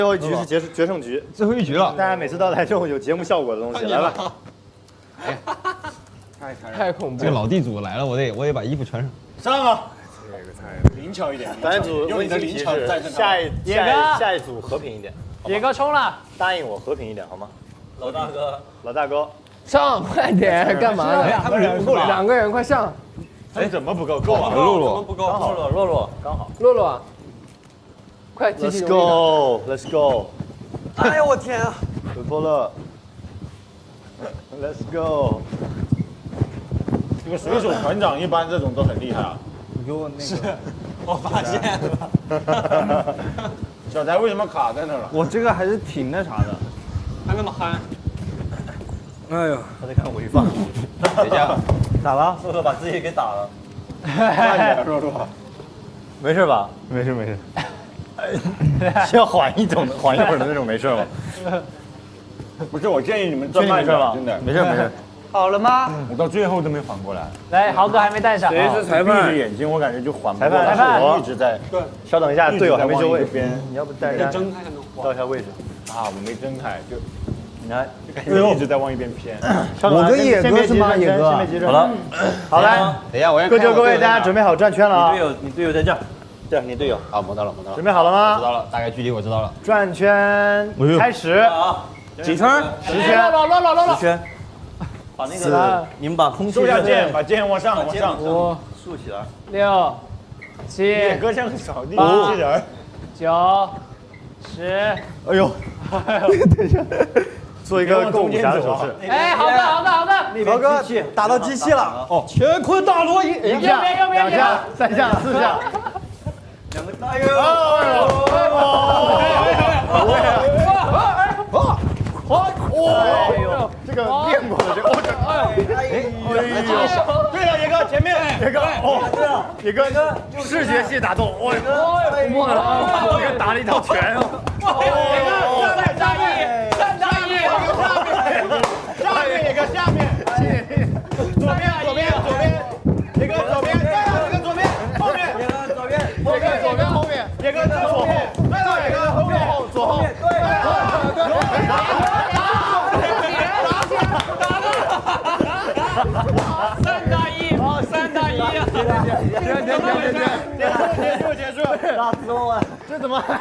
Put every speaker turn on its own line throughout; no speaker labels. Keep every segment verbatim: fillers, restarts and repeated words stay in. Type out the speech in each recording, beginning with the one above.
最后一局是决决胜局，
最后一局了。
大家每次都来这种有节目效果的东西，来吧。
太太
太恐怖！
这个老地主来了，我得我得把衣服穿上。
上啊！
这个太灵巧一点。
咱组
用你的灵巧战胜他。
下一下一下一组和平一点。
野哥冲了，
答应我和平一点好吗？
老大哥，
老大哥，
上快点，干嘛呢？
他们人不够了。
两个人快上！
哎，怎么不够？够啊！
洛洛
不够，刚好，洛洛洛
刚好。
洛洛，快继续
Let's go，Let's go。
哎呦我天啊！
有错了。Let's go。
这个水手团长一般这种都很厉害啊。
你给我那个。
我发现了。
小翟为什么卡在那了？
我这个还是挺那啥的。
他那么憨。
哎呦，
他在看回放。
等一下，
咋了？
洛洛把自己给打了。
慢点，洛洛。没事吧？
没事没事。
是要缓一种的，缓一会儿的那种，没事吗？
不是，我建议你们转慢点，真的。
没事没事。
好了吗？
我到最后都没缓过来。
来，豪哥还没带上。
谁是裁
闭着
判？
眼睛，我感觉就缓不
裁判，
过来。
裁判，
一直在。
对。稍等一下，队友还没就位。
边，
你要不带人
睁开才能
到一下位置。
啊，我没睁开，就
你看，
就感觉一直在往一边偏。
我跟野哥是吗？野哥。
好了，好来，
等一下，我要
各就各位，大家准备好转圈了啊！
队友，你队友在这儿。
对，你队友。
啊，摸到了，摸到了。
准备好了
知
吗？
道了，大概距离我知道了。
转圈开始。
啊，
几圈？
十圈。
洛洛洛洛洛。
十圈。
把那个，你们把空气
收下剑，把剑往上，往上。
五竖起来。
六、七、
野哥像个扫地机器人。
九、十。
哎呦，等一下，做一个够武侠的手势。
哎，好的好的好的。
豪哥打到机器了。哦，乾坤大挪移，一下、两下、三下、四下。
两个大哟。
哎呦，这个练过的这个，哦这，哎呦，对了，野哥前面，野哥，哦，野哥视觉系打斗，哦，哇，这个打了一套拳哦，哦，
三大一，三大一，
下面野哥下面，左边左边左边，野哥左边，对了，野哥左边，后面，野哥左边，野哥左边后面，野哥左后，对了，野哥后面后左后，对了。
三大一，三大一啊！
停停停停停！结束结束！打死我了！这怎么还？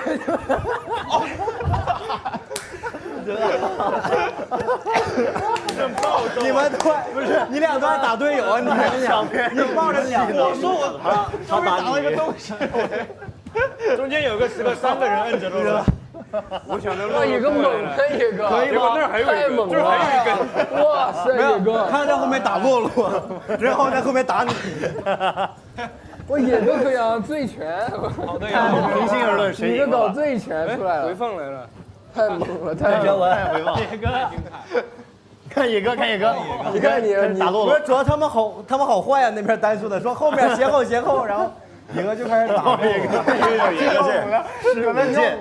你们都不是你俩都在打队友啊！你们两边你抱着两个，我说我他他打了一个东西，中间有个十个三个人摁着了。
我想着
哇，野哥猛了，野哥，
可以吗？那儿还有
太猛了，还有一根，哇塞，野哥，
他在后面打洛洛，然后在后面打你。
我野哥可以啊，醉拳，
好队友。
平心而论，谁
野哥搞醉拳出来了，
回放来了。
太猛了，太猛了，
回放。
野哥，
看野哥，看野哥，
你看你你
打洛洛。不是，主要他们好，他们好坏啊！那边单数的说后面斜后斜后，然后野哥就开始打野哥，
野哥剑，
是个剑。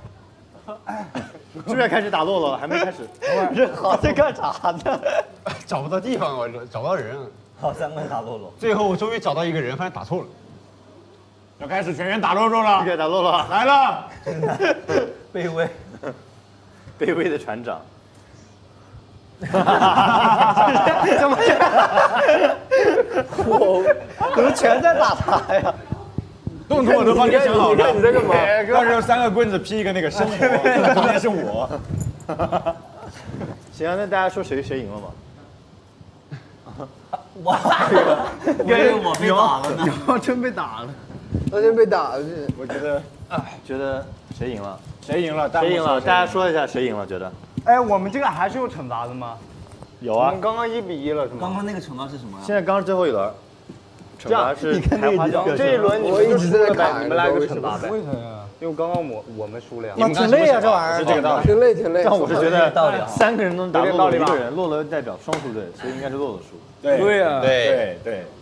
是不是开始打洛洛了？还没开始。这好在干啥呢？
找不到地方，我找不到人。
好，三个打洛洛。
最后我终于找到一个人，发现打错了。
要开始全员打洛洛了。
开始打洛洛
来了。
卑微，
卑微的船长。
怎么？我
怎么全在打他呀？
动作我都帮你想好了。
你在干嘛？
到时候三个棍子劈一个那个生活，中间是我。
行啊，那大家说谁谁赢了吗？
哇，因为我被打了呢。
有真被打了，
那就被打了。
我觉得，觉得谁赢了？
谁赢了？
谁赢了？大家说一下谁赢了？觉得
哎，我们这个还是有惩罚的吗？
有啊
我们。刚刚一比一了是吗？
刚刚那个惩罚是什么呀？
现在刚是最后一轮，惩罚是开花轿。
这一轮你
我一直在看，
你们来个惩罚呗。为啥呀？因为刚刚我我们输了呀。
那挺累啊，这玩意儿。
是这个道理。
挺累挺累。
但我是觉得
道理啊
三个人都能打洛洛一个人，洛洛代表双输队，所以应该是洛洛输。
对
对呀。
对对。